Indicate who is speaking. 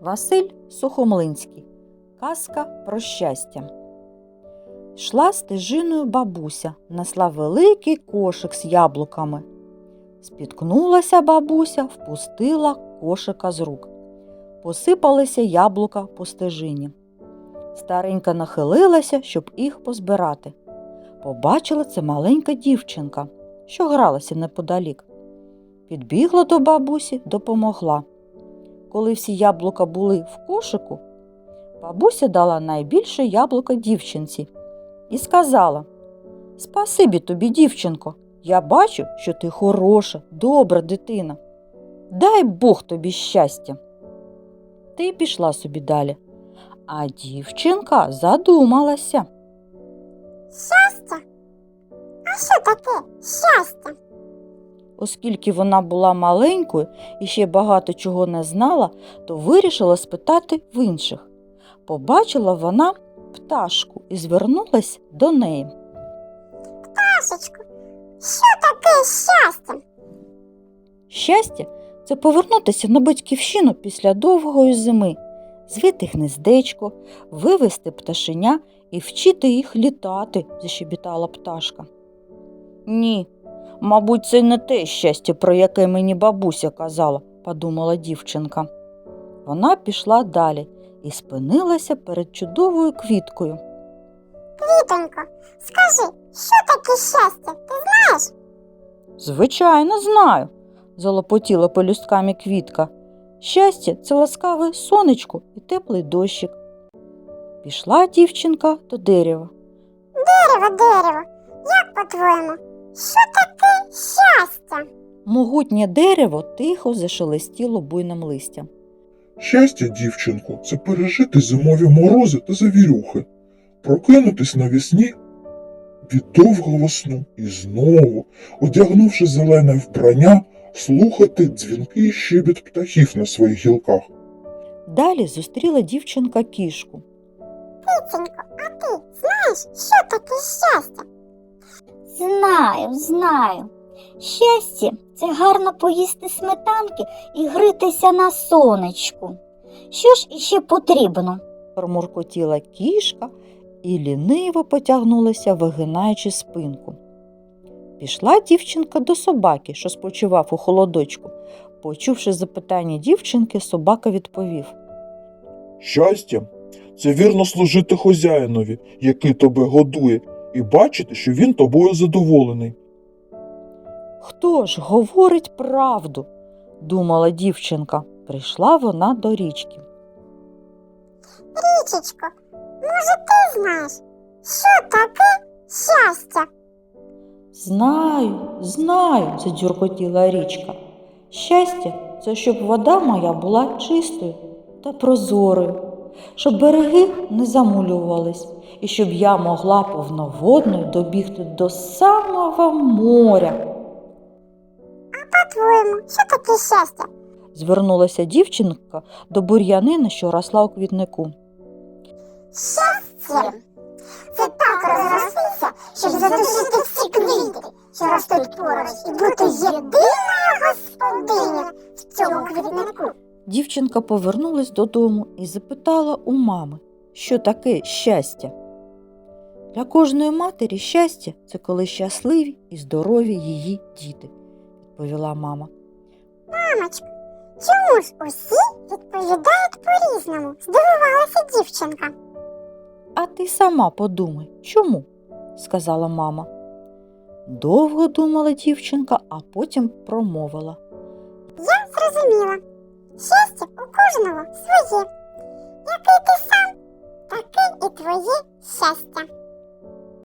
Speaker 1: Василь Сухомлинський. Казка про щастя. Йшла стежиною бабуся, несла великий кошик з яблуками. Спіткнулася бабуся, впустила кошика з рук. Посипалися яблука по стежині. Старенька нахилилася, щоб їх позбирати. Побачила це маленька дівчинка, що гралася неподалік. Підбігла до бабусі, допомогла. Коли всі яблука були в кошику, бабуся дала найбільше яблука дівчинці і сказала: «Спасибі тобі, дівчинко, я бачу, що ти хороша, добра дитина. Дай Бог тобі щастя». Ти пішла собі далі, а дівчинка задумалася.
Speaker 2: Щастя? А що таке щастя?
Speaker 1: Оскільки вона була маленькою і ще багато чого не знала, то вирішила спитати в інших. Побачила вона пташку і звернулась до неї.
Speaker 2: Пташечко, що таке щастя?
Speaker 1: Щастя – це повернутися на батьківщину після довгої зими, звити гнездечко, вивести пташеня і вчити їх літати, защебітала пташка. Ні, мабуть, це не те щастя, про яке мені бабуся казала, подумала дівчинка. Вона пішла далі і спинилася перед чудовою квіткою.
Speaker 2: Квітонько, скажи, що таке щастя, ти знаєш?
Speaker 1: Звичайно, знаю, залопотіла пелюстками квітка. Щастя – це ласкаве сонечко і теплий дощик. Пішла дівчинка до дерева.
Speaker 2: Дерево, як по-твоєму, що таке щастя?
Speaker 1: Могутнє дерево тихо зашелестіло буйним листям.
Speaker 3: Щастя, дівчинко, це пережити зимові морози та завірюхи, прокинутись навесні від довгого сну і знову, одягнувши зелене вбрання, слухати дзвінкий щебіт птахів на своїх гілках.
Speaker 1: Далі зустріла дівчинка кішку.
Speaker 2: Киценько, а ти знаєш, що таке щастя?
Speaker 4: Знаю. Щастя – це гарно поїсти сметанки і грітися на сонечку. Що ж іще потрібно?
Speaker 1: Промуркотіла кішка і ліниво потягнулася, вигинаючи спинку. Пішла дівчинка до собаки, що спочивав у холодочку. Почувши запитання дівчинки, собака відповів.
Speaker 3: Щастя – це вірно служити хазяїнові, який тебе годує, і бачити, що він тобою задоволений.
Speaker 1: «Хто ж говорить правду?» – думала дівчинка. Прийшла вона до річки.
Speaker 2: Річечко, може ти знаєш, що таке щастя?
Speaker 1: Знаю, задюркотіла річка. Щастя – це щоб вода моя була чистою та прозорою, щоб береги не замулювались, і щоб я могла повноводною добігти до самого моря.
Speaker 2: А по-твоєму, що таке щастя?
Speaker 1: Звернулася дівчинка до бур'янини, що росла у квітнику.
Speaker 2: Щастя – це так розростися, щоб задушити всі квіти, що ростуть поруч, і бути єдиною господинею в цьому квітнику.
Speaker 1: Дівчинка повернулась додому і запитала у мами, що таке щастя. Для кожної матері щастя – це коли щасливі і здорові її діти, відповіла мама.
Speaker 2: Мамочко, чому ж усі відповідають по-різному? Здивувалася дівчинка.
Speaker 1: А ти сама подумай, чому? Сказала мама. Довго думала дівчинка, а потім промовила.
Speaker 2: Я зрозуміла. Щастя у кожного своє. Який ти сам, таке і твоє щастя.